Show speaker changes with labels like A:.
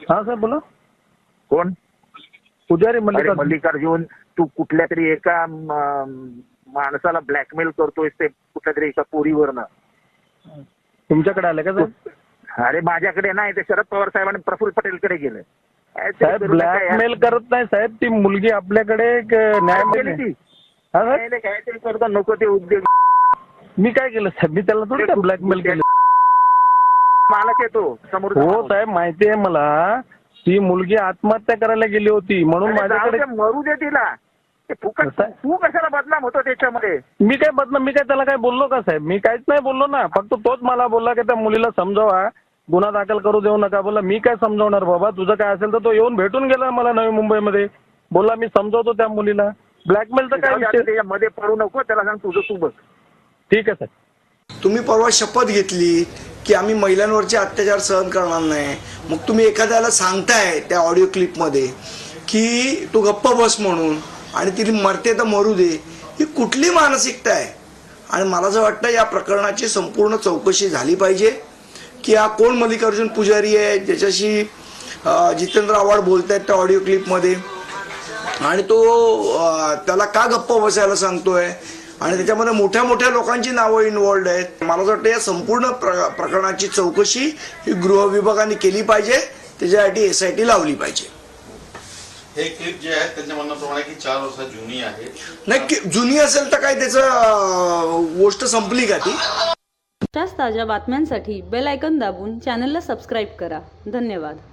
A: हा साहेब बोला.
B: कोण?
A: पुजारी
B: अरे मल्लिकार्जुन, तू कुठल्या तरी एका माणसाला ब्लॅकमेल करतोय ते कुठल्या तरी एका पोरीवरनं.
A: तुमच्याकडे आले का साहेब?
B: अरे माझ्याकडे नाही, ते शरद पवार साहेबांनी प्रफुल्ल पटेलकडे गेलं.
A: साहेब ब्लॅकमेल करत नाही साहेब, ती मुलगी आपल्याकडे न्याय
B: केली ती.
A: हा साहेब,
B: काहीतरी करतो, नको ते उद्योग.
A: मी काय केलं साहेब? मी त्याला थोडी ब्लॅकमेल केलं.
B: मालक येतो समोर.
A: हो साहेब माहिती आहे मला, ती मुलगी आत्महत्या करायला गेली होती म्हणून माझ्याकडे.
B: मरू दे तिला. तू कशाला बदनाम होतो त्याच्यामध्ये?
A: मी काय बदनाम? मी काय त्याला काय बोललो का साहेब? मी काहीच नाही बोललो ना. फक्त तोच मला बोलला की त्या मुलीला समजावा, गुन्हा दाखल करू देऊ नका. बोला मी काय समजवणार बाबा, तुझं काय असेल तर. तो येऊन भेटून गेला मला नवी मुंबईमध्ये. बोला मी समजावतो त्या मुलीला. ब्लॅकमेलचं काय विषय?
B: त्याच्यामध्ये पडू नको, त्याला सांग तुझं तू बघ.
A: ठीक आहे साहेब.
C: तुम्ही परवा शपथ घेतली की आम्ही महिलांवरचे अत्याचार सहन करणार नाही. मग तुम्ही एखाद्याला सांगताय त्या ऑडिओ क्लिपमध्ये की तू गप्प बस म्हणून, आणि ती मरते तर मरू दे. ही कुठली मानसिकता आहे? आणि मला असं वाटतं या प्रकरणाची संपूर्ण चौकशी झाली पाहिजे की हा कोण मल्लिकार्जुन पुजारी आहे ज्याच्याशी जितेंद्र आव्हाड बोलत आहेत त्या ऑडिओ क्लिपमध्ये, आणि तो त्याला का गप्प बसायला सांगतोय, आणि त्याच्यामध्ये मोठ्या मोठ्या लोकांची नावं इन्व्हॉल्ड आहेत. मला असं वाटतं या संपूर्ण प्रकरणाची चौकशी ही गृह विभागाने केली पाहिजे. त्याच्यासाठी SIT लावली पाहिजे.
D: हे क्लिप जे आहे त्यांच्या म्हणण्याप्रमाणे की 4 वर्ष जुनी आहे.
C: नाही, जुनी असेल तर काय त्याचं गोष्ट संपली का ती?
E: अशाच ताज्या बातम्यांसाठी बेल आयकॉन दाबून चॅनलला सबस्क्राईब करा. धन्यवाद.